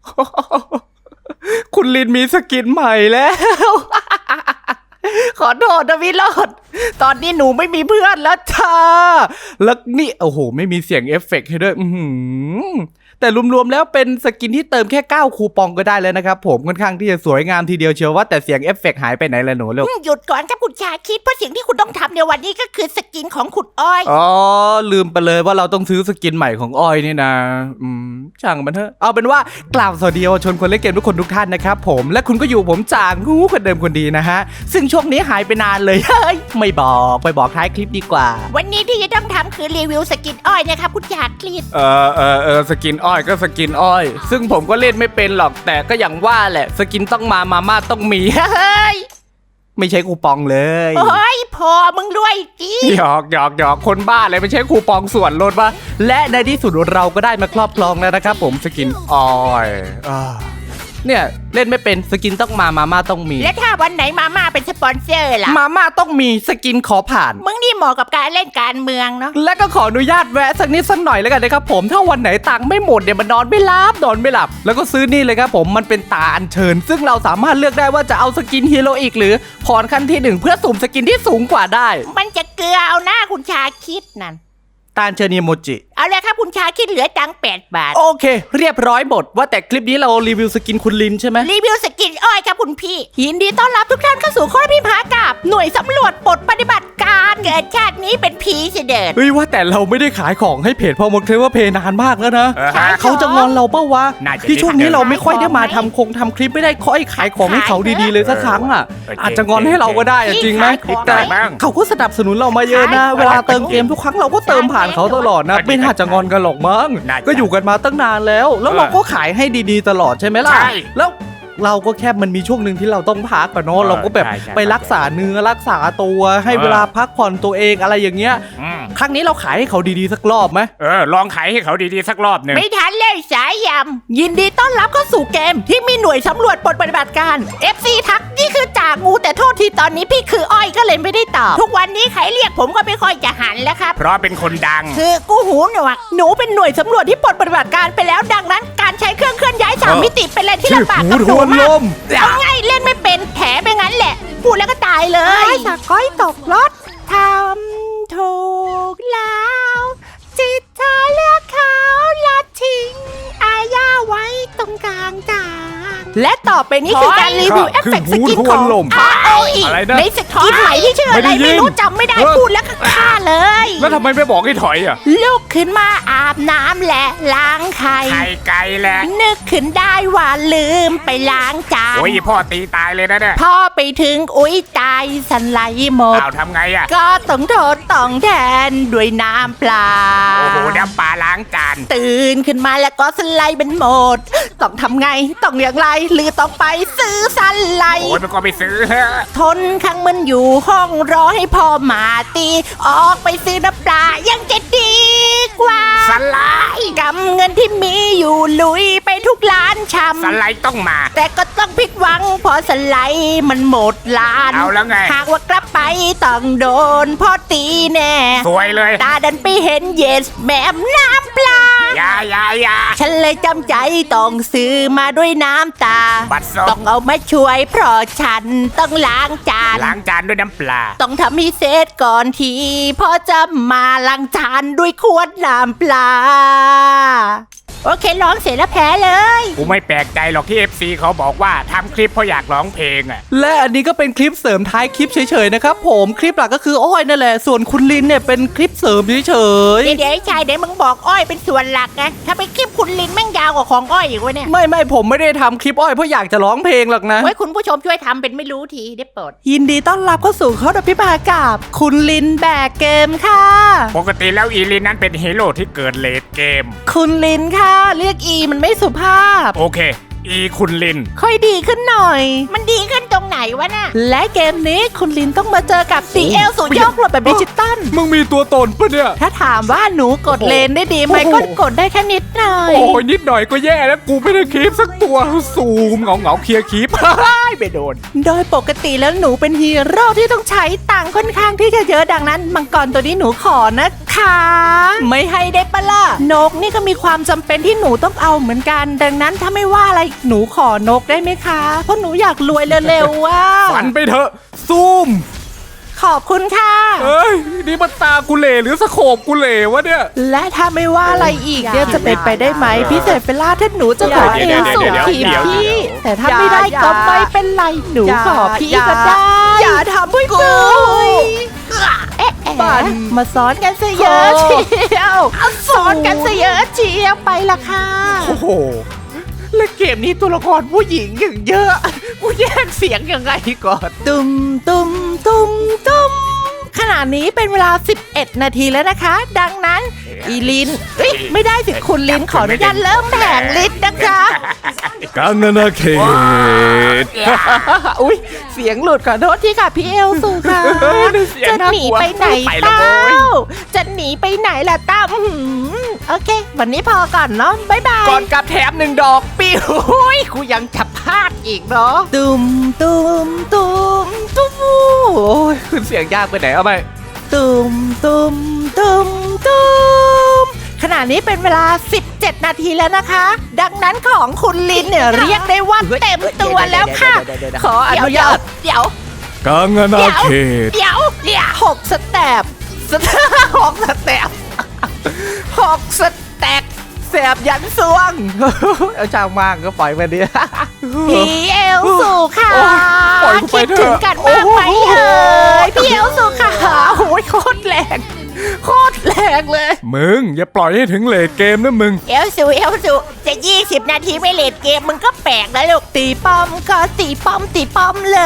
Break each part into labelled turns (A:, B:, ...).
A: คุณลินมีสกินใหม่แล้ว ขอโทษนะวิโรจน์ตอนนี้หนูไม่มีเพื่อนแล้วจ้าแล้วนี่โอ้โหไม่มีเสียงเอฟเฟกต์ให้ด้วยแต่รวมๆแล้วเป็นสกินที่เติมแค่9คูปองก็ได้แล้วนะครับผมค่อนข้างที่จะสวยงามทีเดียวเชียวว่าแต่เสียงเอฟเฟกต์หายไปไหนละหนูลูก
B: หยุดก่อนครับคุณชาคิดเพราะสิ่งที่คุณต้องทำในวันนี้ก็คือสกินของคุณอ้อย
A: อ๋อลืมไปเลยว่าเราต้องซื้อสกินใหม่ของอ้อยนี่นะช่างมันเถอะเอาเป็นว่ากล่าวสวัสดีเยาวชนคนเล่นเกมทุกคนทุกท่านนะครับผมและคุณก็อยู่ผมจางงูคนเดิมคนดีนะฮะซึ่งช่วงนี้หายไปนานเลยเฮ้ยไม่บอกไปบอกท้ายคลิปดีกว่า
B: วันนี้ที่จะต้องทำคือรีวิวสกินอ้อยนะครับคุณชาคิด
A: สกินอ้อยก็สกินอ้อยซึ่งผมก็เล่นไม่เป็นหรอกแต่ก็อย่างว่าแหละสกินต้องมาม่าต้องมี
B: เฮ้ย
A: ไม่ใช่คูปองเลย
B: โอ้ยพอมึงด้วยจี
A: หยอกคนบ้าเลยไม่ใช่คูปองส่วนลดปะและในที่สุดเราก็ได้มาครอบครองแล้วนะครับผมสกินอ้อยเนี่ยเล่นไม่เป็นสกินต้องมาม่าต้องมี
B: และถ้าวันไหนมาม่าเป็นสปอนเซอร์ล่ะ
A: มาม่าต้องมีสกินขอผ่าน
B: มึงนี่เหมาะกับการเล่นการเมืองเนาะ
A: และก็ขออนุญาตแวะสักนิดสักหน่อยแล้วกันนะครับผมถ้าวันไหนตังค์ไม่หมดเนี่ยมันนอนไม่หลับแล้วก็ซื้อนี่เลยครับผมมันเป็นตาอัญเชิญซึ่งเราสามารถเลือกได้ว่าจะเอาสกินฮีโร่อีกหรือพรขั้นที่1เพื่อสุ่มสกินที่สูงกว่าได้
B: มันจะเกลือเอาหน้าคุณชาคิดนั่น
A: ตาอัญเชิญอีโมจิ
B: เอาเลยครับคุณชาคิดเหลือตังค์8 บาท
A: โอเค เรียบร้อยหมดว่าแต่คลิปนี้เรารีวิวสกินคุณลินใช่ไหม
B: รีวิวสกินอ้อยครับคุณพี่ยินดีต้อนรับทุกท่านเข้าสู่ข้อพิพากับหน่วยสำรวจปลดปฏิบัติการเกิดชาตินี้เป็นผีเสด็จ
A: เฮ้ยว่าแต่เราไม่ได้ขายของให้เพจพอมดเคลว่าเพจนานมากแล้วนะ
B: ขายของ
A: เขาจะงอนเราเปล่าวะ
C: น่าจะ
A: ที่ช่วงนี้เราไม่ค่อยได้มา
B: ขายของ
A: ทำคลิปไม่ได้ค่อยขายของให้เขาดีๆเลยสักครั้งอ่ะ อาจจะงอนให้เราก็ได้อะจริงไหม
B: ขายของ
A: แต่
C: บ้าง
A: เขาก็สนับสนุนเรามาเยอะนะ
B: ขายของ
A: เวลาเติมเกมทุกครั้งเราก็เติมผ่านเขาตลอดนะไม่น่าจะงอนกันหรอกมั้ง
C: น่าจะ
A: ก็อยู่กันมาตั้งนานแล้วเราก็ขายให้ดีๆตลอดใช่ไหมล่ะ
C: ใช่
A: แล้วเราก็แค่มันมีช่วงหนึ่งที่เราต้องพักกันเนาะเราก็แบบ
C: ใช่
A: ไปรักษาเนื้อรักษาตัวให้เวลาพักผ่อนตัวเองอะไรอย่างเงี้ย
C: อืม
A: ครั้งนี้เราขายให้เขาดีๆสักรอบไหม
C: ลองขายให้เขาดีๆสักรอบหนึ่ง
B: ไม่ทันเลยสายยำยินดีต้อนรับเข้าสู่เกมที่มีหน่วยสำรวจปลดปฏิบัติการ FC ทักนี่คือจ่างูแต่โทษทีตอนนี้พี่คืออ้อยก็เลยไม่ได้ตอบทุกวันนี้ใครเรียกผมก็ไม่ค่อยจะหันแล้วครับ
C: เพราะเป็นคนดัง
B: คือกูหูหนวกหนูเป็นหน่วยสำรวจที่ปลดปฏิบัติการไปแล้วดังนั้นการใช้เครื่องเคลื่อนย้าย3 มิติเป็นอะไรที่ลำบากกับหนูมากเอาง่ายเล่นไม่เป็นแถไปงั้นแหละพูดแล้วก็ตายเลยสะก้อยตกรถทำถูกแล้วจิตใจเลือกเขาและทิ้งอาญาไว้ตรงกลางจางและต่อไปนี้คือการรีวิวเอฟเฟกต์สกินของ ROE
C: อะไรนะ
B: ในสกินใหม่ที่ชื่ออะไร
C: ไม่ได้ยิน
B: ไม่รู้จำไม่ได้พูดแล้วก็ฆ่าเลย
C: แล้วทำไมไม่บอกให้ถอยอ่ะ
B: ลุกขึ้นมาอาบน้ำและล้างไข่
C: ไข่ไก่แหละ
B: นึกขึ้นได้ว่าลืมไปล้างจาน
C: โอ้ยพ่อตีตายเลยนะเนี่ย
B: พ่อไปถึงอุ้ยตายสันไหลหมด
C: เอาทำไงอ่ะ
B: ก็ต้องโทษต้องแทนด้วยน้ำเปล่า
C: โอ้โหน้ำปลาล้างจาน
B: ตื่นขึ้นมาแล้วก็สไลด์เป็นหมด ต้องทำไงต้องอย่างไรหรือต้องไปซื้อสไล
C: โอ้ย
B: ด์
C: มันก็ไปซื้อ
B: ทนข้างมันอยู่ห้องรอให้พ่อมาตี ออกไปซื้อน้ำปลายังจะดีกว่า
C: สไลด์
B: กำเงินที่มีอยู่ลุยไปทุกร้านชำ
C: สไลด์ต้องมา
B: แต่ก็ต้องผิดหวังเพอสไลด์มันหมดร้าน
C: เอาแล้วไง
B: หากว่ากลับไปต้องโดนพ่อตีแน่
C: สวยเลย
B: ตาดันไปเห็นเยสแม่มน้ำปลา
C: อย่า
B: ฉันเลยจำใจต้องซื้อมาด้วยน้ำตา
C: บัตรซบ
B: ต้องเอามาช่วยเพราะฉันต้องล้างจาน
C: ล้างจานด้วยน้ำปลา
B: ต้องทำให้เสร็จก่อนทีพ่อจะมาล้างจานด้วยขวดน้ำปลา โอเคร้องเสร็จแล้วแพ้เลย
C: กูไม่แปลกใจหรอกที่ FC เขาบอกว่าทำคลิปเพราะอยากร้องเพลงอ่ะ
A: และอันนี้ก็เป็นคลิปเสริมท้ายคลิปเฉยๆนะครับผมคลิปหลักก็คืออ้อยนั่นแหละส่วนคุณลินเนี่ยเป็นคลิปเสริมเฉย
B: เดี๋ยวไอ้ชายเดี๋ยวมึงบอกอ้อยเป็นส่วนหลักไงถ้าไปคลิปคุณลินแม่งยาวกว่าของอ้อยอีกวะเนี่ย
A: ๆไม่ผมไม่ได้ทำคลิปอ้อยเพราะอยากจะร้องเพลงหรอกนะ
B: ไว้คุณผู้ชมช่วยทำเป็นไม่รู้ทีได้โปรด
A: ยินดีต้อนรับเข้าสู่ข้อดพิพากับคุณลินแบกเกมค่ะ
C: ปกติแล้วอีลินนั้นเป็นฮีโร่ที่เกิดเลทเกม
A: คุณลินค่ะเรียกอีมันไม่สุภาพ
C: โอเค อีคุณลิน
A: ค่อยดีขึ้นหน่อย
B: มันดีขึ้นตรงไหนวะน่ะ
A: และเกมนี้คุณลินต้องมาเจอกับสีเอลสูงยกหลบแบบดิจิตอล
C: มึงมีตัวตนปะเนี่ย
A: ถ้าถามว่าหนูกดเลนได้ดีไหม
C: โอ้โห
A: ก็กดได้แค่นิดหน่อย
C: โอ้ยนิดหน่อยก็แย่แล้วกูไม่ได้คลิปสักตัวซูมเหงาเคลียร์คลิป ไม่โดน
A: โดยปกติแล้วหนูเป็นฮีโร่ที่ต้องใช้ตังค์ค่อนข้างที่จะเยอะดังนั้นมังกรตัวนี้หนูขอนะค
B: ไม่ให้ได้ปะล่ะนกนี่ก็มีความจำเป็นที่หนูต้องเอาเหมือนกัน ดังนั้นถ้าไม่ว่าอะไรหนูขอนกได้ไหมคะเพราะหนูอยากรวยเร็วๆว่า
C: ฝันไปเถอะซูม
B: ขอบคุณค่ะ
C: เอ้ยนี่มันตากูเหล่หรือสโคปกูเหล่วะเนี่ย
B: และถ้าไม่ว่าอะไรอีกเนี่ยจะเป็นไปได้ไหมพี่เสเปล่าถ้าหนูจะขอเอลสูงทีมพี่แต่ถ้าไม่ได้ก็ไม่เป็นไรหนูขอพี่ก็ได้อย่าทำให้กูเอ๊ะมาซ้อนกันซะเยอะเชียวซ้อนกันซะเยอะเชียวไปละค่ะ
A: โอ้โหและเกมนี้ตัวละครผู้หญิงอย่างเยอะกูแยกเสียงยังไงก่อน
B: ตุ้มตุ้มตุ้มตุ้มขณะนี้เป็นเวลา 11 นาทีแล้วนะคะ ดังนั้นอีลินเอ้ยไม่ได้สิคุณลินขออนุญาตเริ่มแผงลินนะคะ
C: กังนาเขต
A: อุ้ยเสียงหลุดขอโทษทีค่ะพี่
B: พี่เอลสูค่ะ
A: เสียง
B: จะ
A: น่าก
B: หนี
A: ลัว
B: ไปไหน
A: ไปแล้ว
B: เต้า
A: โว้ย
B: จะหนีไปไหนล่ะเต้าโอเค วันนี้พอก่อนเนาะบ๊ายบาย
A: ก่อนกลับแถม1 ดอกปิ้วหุ้ยกูยังจะพลาดอีกเนาะ
B: ตุ้มตุ้มตุ้มตุ้ม
A: โอ้ยขึ้นเสียงยากไปไหนเอาไป
B: ตุ้มตุ้มตุ้มตุ้มขณะนี้เป็นเวลา 17 นาทีแล้วนะคะ ดังนั้นของคุณลินเนี่ยเรียกได้ว่าเต็มตัวแล้วค่ะ
A: ขออนุญาต
B: เดี๋ยว
C: กังนาเขต
B: เดี๋ยว6 สเต็ป
A: หกสเต็ป6 สเต็ปแสบยันสวง เอาช่างมากก็ปล่อยไปดิ
B: พี่เอลสูค่ะ
A: โอ้ยปล่อยกูไป
B: คิด
A: เถอะ
B: ถึงกันมากไหมเอ่ยพี่เอลสูค่ะ
A: โอ้ยโคตรแรงโคตรแรงเลย
C: มึงอย่าปล่อยให้ถึงเลทเกมนะมึง
B: เอลสูจะ20 นาทีไม่เลดเกมมึงก็แปลกแล้วลูกตีป้อมก็ตีป้อมเลย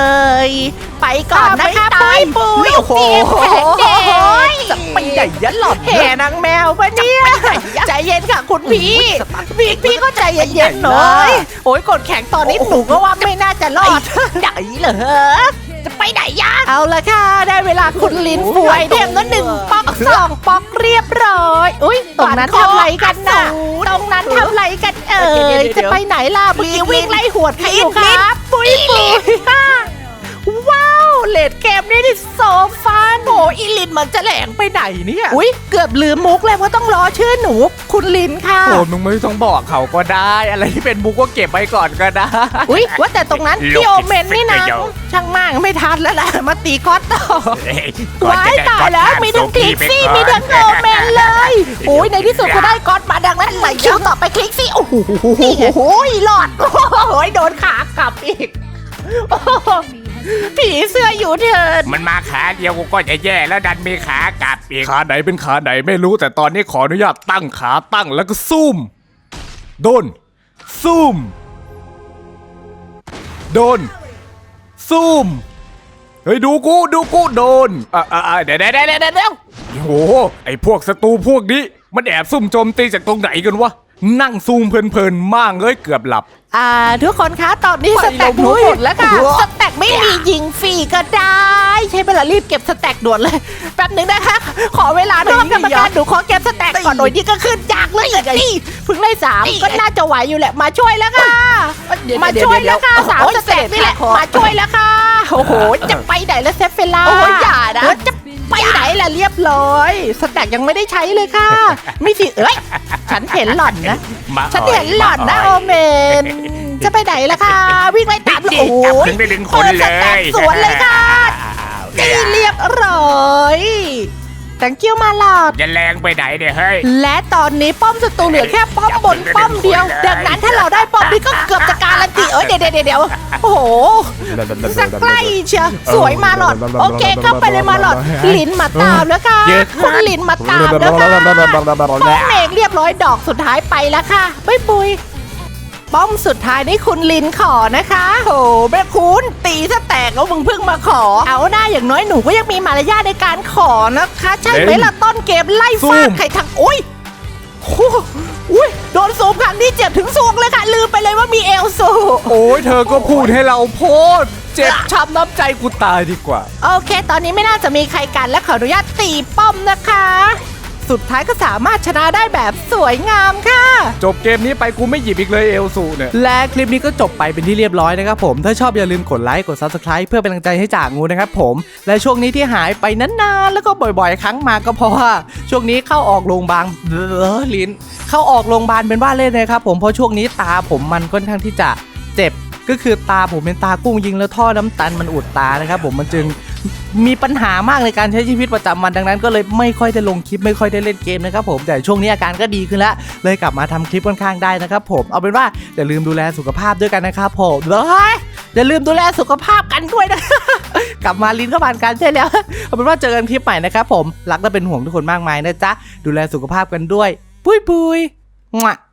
B: ไปก่อนนะคะปุ้ย
A: โอ้โห
B: เตรียมแผนเดย
A: จะไปใหญ่ยันหลอด
B: แห่นางแมวปะเนี่ยใจเย็นค่ะคุณพี่พี่ก็ใจเย็นๆหน่อยโอ้ยกดแข็งตอนนี้หนูก็ว่าไม่น่าจะรอดไหนเหรอจะไปไหนยะเอาละค่ะได้เวลาคุณลิ้นฟวยเทมแล้ว1 ป๊อก 2 ป๊อกเรียบร้อยอุ้ยตรงนั้นทำไรกันน่ะตรงนั้นทำไรกันจะไปไหนล่ะบีวิ่งไล่หวดใครอยู่ครับปุ้ยว้าวเลดเกมนี่โซฟัน
A: โอ้อีลินมันจะแหลงไปไหนเนี่ย
B: อุ้ยเกือบลืมมุกเลยว่าต้องรอชื่อหนูคุณลินค่ะ
A: โอ้มึงไม่ต้องบอกเขาก็ได้ อะไรที่เป็นมุกก็เก็บไว้ก่อนก็ได้
B: อุ้ยว่าแต่ตรงนั้นพี่โอเมนนี่นะช่างมากไม่ทันแล้วล่ะมาตีคอสต่อว้ายตายแล้วมีทั้งคลิกซี่มีทั้งโอเมนเลยโอ้ยในที่สุดก็ได้ก๊อตมาดังนั้นไหลคิวต่อไปคลิกซี่โอ้โหหลอดโอ้ยโดนขากลับอีกโอ้โหผีเสื้ออยู่เถิด
D: มันมาขาเดียวกูก็จะแย่แล้วดันมีขากลับอีก
C: ขาไหนเป็นขาไหนไม่รู้แต่ตอนนี้ขออนุญาตตั้งขาตั้งแล้วก็ซูมโดนซูมโดนซูมเฮ้ยดูกูโดนเดี๋ยวโอ้โหไอพวกศัตรูพวกนี้มันแอบซุ่มโจมตีจากตรงไหนกันวะนั่งซูมเพลินๆมากเลยเกือบหลับ
B: ทุกคนคะตอนนี้สแต็กหนูหมดแล้วค่ะสแต็กไม่มียิงฟรีก็ได้ ใช้เวลารีบเก็บสแต็กด่วนเลยแป๊บหนึ่งนะคะขอเวลาด้วยกรรมการหนูขอเก็บสแต็กก่อนโดยที่ก็ขึ้นจากเลยนี่เพิ่งได้3ก็น่าจะไหวอยู่แหละมาช่วยแล้วค่ะมาช่วยแล้วค่ะ3สแต็กนี่แหละมาช่วยแล้วค่ะโอ้โหจะไปไหนแล้วเซฟเฟล่า
A: โอ้ยอย่านะ
B: จะไปไหนล่ะเรียบร้อยสแต็กยังไม่ได้ใช้เลยค่ะไม่สิฉันเห็นหล่อนนะ ฉันเห็นหล่อนนะโอเมน จะไปไหนล่ะคะวิ่งไล่ตามโอ้โห
D: จับถึงได้ดึงคน
B: เปิด
D: เล
B: สแต็ก
D: ย
B: สวนเลยค่ะตีเรียบร้อยตังกิ้วมาหลอด
D: จะแรงไปไหนเนี่ยเฮ้ย
B: และตอนนี้ป้อมศัตรูเหลือแค่ป้อมบนป้อมเดียว ดังนั้นถ้าเราได้ป้อมนี้ก็เกือบจะการันตีเดี๋ยวโอ้โหสักใกล้เชียวสวยมาหลอดโอเคเข้าไปเลยมาหลอดลิ้นมาตามแล้วค่ะคุณลิ้นมาตามแล้วค่ะป้อมเองเรียบร้อยดอกสุดท้ายไปแล้วค่ะบ๊ายบุยป้อมสุดท้ายนี่คุณลินขอนะคะโหแม่คุณตีซะแตกแล้วมึงเพิ่งมาขอ เอาหน้าอย่างน้อยหนูก็ยังมีมารยาทในการขอนะคะ ใช่ไหมล่ะต้นเกมไล่ฟาดใครทางอุ้ยโดนซูมครั้งนี้เจ็บถึงซวงเลยค่ะลืมไปเลยว่ามีเอลซู
C: โอ้ยเธอก็พูดให้เราโพสต์เจ็บช้ำน้ำใจกูตายดีกว่า
B: โอเค ตอนนี้ไม่น่าจะมีใครกันและขออนุญาตตีป้อมนะคะสุดท้ายก็สามารถชนะได้แบบสวยงามค่ะ
C: จบเกมนี้ไปกูไม่หยิบอีกเลยเอลสูเนี่ย
A: และคลิปนี้ก็จบไปเป็นที่เรียบร้อยนะครับผมถ้าชอบอย่าลืมกดไลค์กด Subscribe เพื่อเป็นกำลังใจให้จ่างูนะครับผมและช่วงนี้ที่หายไปนานๆแล้วก็บ่อยๆครั้งมาก็เพราะว่าช่วงนี้เข้าออกโรงพยาบาลลิ้นเข้าออกโรงพยาบาลเป็นว่าเล่นนะครับผมเพราะช่วงนี้ตาผมมันค่อนข้างที่จะเจ็บก็คือตาผมเป็นตากุ้งยิงแล้วท่อน้ำตาลมันอุดตานะครับผมมันจึงมีปัญหามากในการใช้ชีวิตประจำวันดังนั้นก็เลยไม่ค่อยได้ลงคลิปไม่ค่อยได้เล่นเกมนะครับผมแต่ช่วงนี้อาการก็ดีขึ้นแล้วเลยกลับมาทำคลิปค่อนข้างได้นะครับผมเอาเป็นว่าอย่าลืมดูแลสุขภาพด้วยกันนะครับผมอย่าลืมดูแลสุขภาพกันด้วยนะ กลับมาลิ้นก็ผ่านการใช่แล้ว เอาเป็นว่าเจอกันคลิปใหม่นะครับผมรักและเป็นห่วงทุกคนมากมายนะจ๊ะดูแลสุขภาพกันด้วยปุ้ย